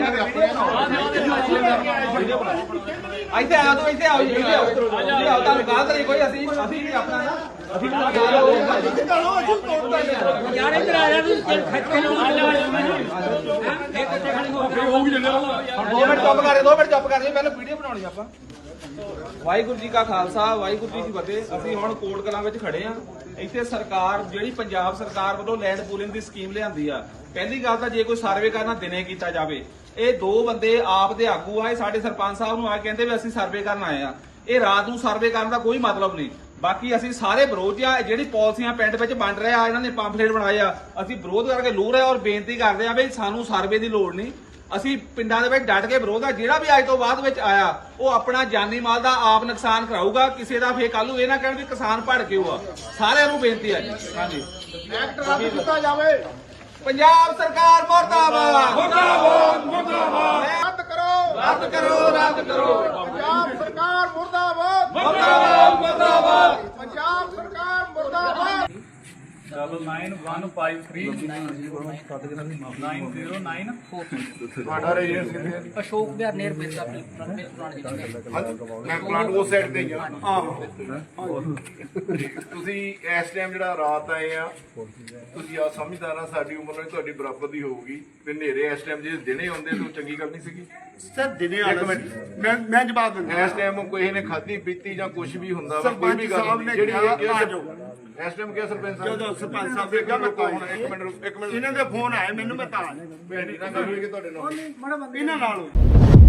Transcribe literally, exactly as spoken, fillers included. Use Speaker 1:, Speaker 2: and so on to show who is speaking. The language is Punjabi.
Speaker 1: ਇੱਥੇ ਆ ਤੂੰ ਇੱਥੇ ਆਓ ਜੀ ਇੱਥੇ ਆਓ ਜੀ ਆਓ ਤੁਹਾਨੂੰ ਗੱਲ ਕਰੀ ਕੋਈ ਅਸੀਂ ਅਸੀਂ ਵੀ ਆਪਣਾ ਨਾ ਅਸੀਂ
Speaker 2: ਯਾਰ ਇੱਧਰ ਆ ਜਾ ਤੂੰ ਖੱਟ ਕੇ ਲੋ
Speaker 1: ਦੋ ਮਿੰਟ ਚੁੱਪ ਕਰ ਦੋ ਮਿੰਟ ਚੁੱਪ ਕਰ ਜੀ ਪਹਿਲਾਂ ਵੀਡੀਓ ਬਣਾਉਣੀ ਆਪਾਂ। ਵਾਹਿਗੁਰੂ ਜੀ ਕਾ ਖਾਲਸਾ ਵਾਹਿਗੁਰੂ ਜੀ ਕੀ ਫਤਿਹ। ਅਸੀਂ ਹੁਣ ਕੋਟ ਕਲਾਂ ਵਿੱਚ ਖੜੇ ਆ। ਇੱਥੇ ਸਰਕਾਰ ਜਿਹੜੀ ਪੰਜਾਬ ਸਰਕਾਰ ਵੱਲੋਂ ਲੈਂਡ ਪੂਲਿੰਗ ਦੀ ਸਕੀਮ ਲਿਆਂਦੀ ਆ। ਪਹਿਲੀ ਗੱਲ ਤਾਂ ਜੇ ਕੋਈ ਸਰਵੇ ਕਰਨਾ ਦਿਨੇ ਕੀਤਾ ਜਾਵੇ। ਇਹ ਦੋ ਬੰਦੇ ਆਪ ਦੇ ਆਗੂ ਆ, ਇਹ ਸਾਡੇ ਸਰਪੰਚ ਸਾਹਿਬ ਨੂੰ ਆ ਕਹਿੰਦੇ ਵੀ ਅਸੀਂ ਸਰਵੇ ਕਰਨ ਆਏ ਆ। ਇਹ ਰਾਤ ਨੂੰ ਸਰਵੇ ਕਰਨ ਦਾ ਕੋਈ ਮਤਲਬ ਨਹੀਂ। ਬਾਕੀ ਅਸੀਂ ਸਾਰੇ ਵਿਰੋਧ ਆ ਜਿਹੜੀ ਪਾਲਿਸੀਆਂ ਪਿੰਡ ਵਿੱਚ ਵੰਡ ਰਹੇ ਆ, ਇਹਨਾਂ ਨੇ ਪੰਫਲੇਟ ਬਣਾਏ ਆ, ਅਸੀਂ ਵਿਰੋਧ ਕਰਕੇ ਲੂ ਰਹੇ ਔਰ ਬੇਨਤੀ ਕਰਦੇ ਆ ਵੀ ਸਾਨੂੰ ਸਰਵੇ ਦੀ ਲੋੜ ਨਹੀਂ। ਅਸੀਂ ਪਿੰਡਾਂ ਦੇ ਵਿੱਚ ਡਟ ਕੇ ਵਿਰੋਧ ਆ। ਜਿਹੜਾ ਵੀ ਅੱਜ ਤੋਂ ਬਾਅਦ ਵਿੱਚ ਆਇਆ ਉਹ ਆਪਣਾ ਜਾਨੀ ਮਾਲ ਦਾ ਆਪ ਨੁਕਸਾਨ ਕਰਾਊਗਾ। ਕਿਸੇ ਦਾ ਫੇਰ ਕੱਲ ਨੂੰ ਇਹ ਨਾ ਕਹਿਣ ਵੀ ਕਿਸਾਨ ਭੜ ਕੇ ਹੋਆ। ਸਾਰਿਆਂ ਨੂੰ ਬੇਨਤੀ ਆ ਜੀ। ਹਾਂਜੀ
Speaker 3: ਐਕਟ ਰੱਦ ਕੀਤਾ ਜਾਵੇ।
Speaker 1: ਪੰਜਾਬ ਸਰਕਾਰ ਮੁਰਦਾਬਾਦ
Speaker 3: ਮੁਰਦਾਬਾਦ ਮੁਰਦਾਬਾਦ ਰੱਦ ਕਰੋ
Speaker 1: ਰੱਦ ਕਰੋ ਰੱਦ ਕਰੋ
Speaker 3: ਪੰਜਾਬ ਸਰਕਾਰ ਮੁਰਦਾਬਾਦ
Speaker 1: ਮੁਰਦਾਬਾਦ ਮੁਰਦਾਬਾਦ
Speaker 3: ਪੰਜਾਬ ਸਰਕਾਰ ਮੁਰਦਾਬਾਦ।
Speaker 4: Double nine one five three nine zero nine
Speaker 3: ਤੁਹਾਡਾ ਰੇਡੀਅਸ ਕਿੱਥੇ?
Speaker 2: ਅਸ਼ੋਕ ਬਿਹਾਰ ਨੇਰ ਬੇਸਾ ਪੁਰਾਣੇ
Speaker 3: ਮੈਂ ਪਲਾਂਟ ਉਸ ਸਾਈਡ ਤੇ ਗਿਆ। ਤੁਸੀਂ ਇਸ ਟਾਈਮ ਜਿਹੜਾ ਰਾਤ ਆਏ ਆ, ਤੁਸੀਂ ਆ ਸਮਝਦਾਰਾਂ ਸਾਡੀ ਉਮਰ ਨਾਲ ਤੁਹਾਡੀ ਬਰਾਬਰ ਦੀ ਹੋਊਗੀ ਤੇ ਹਨੇਰੇ ਇਸ ਟਾਈਮ ਜੇ ਦਿਨੇ ਆਉਂਦੇ ਤਾਂ ਚੰਗੀ ਗੱਲ ਨਹੀਂ ਸੀਗੀ।
Speaker 5: ਸਰ ਦਿਨੇ
Speaker 3: ਇੱਕ
Speaker 5: ਆਣਾ
Speaker 3: ਮਿੰਟ।
Speaker 5: ਮੈਂ ਮੈਂ ਜਵਾਬ ਦਿੰਦਾ
Speaker 3: ਇਸ ਟਾਈਮ ਕੋਈ ਨੇ ਖਾਧੀ ਪੀਤੀ ਜਾਂ ਕੁਝ ਵੀ ਹੁੰਦਾ ਵਾ, ਕੋਈ
Speaker 5: ਸਰਪੰਚ
Speaker 3: ਵੀ ਗੱਲ
Speaker 5: ਸਾਹਿਬ ਨੇ
Speaker 3: ਜਿਹੜੀ
Speaker 5: ਕਿਹਾ
Speaker 3: ਇਹ
Speaker 5: ਆ ਜਾਓ।
Speaker 3: ਇਸ ਟਾਈਮ ਕਿਹਾ ਸਰਪੰਚ ਸਾਹਿਬ
Speaker 5: ਜਦੋਂ ਸਰਪੰਚ ਸਾਹਿਬ ਦੇ ਕਿਹਾ ਮੈਂ
Speaker 3: ਰੁਕੋ ਹੁਣ ਇੱਕ ਮਿੰਟ ਰੁਕੋ, ਇੱਕ ਮਿੰਟ
Speaker 5: ਇਹਨਾਂ ਦੇ ਫੋਨ ਆਏ ਮੈਨੂੰ ਮੈਂ ਤਾਂ
Speaker 3: ਭੈਣੀ ਨਾਲ ਗੱਲ ਹੋਈ ਕਿ ਤੁਹਾਡੇ ਨਾਲ
Speaker 5: ਇਹਨਾਂ ਨਾਲ ਹੋਈ।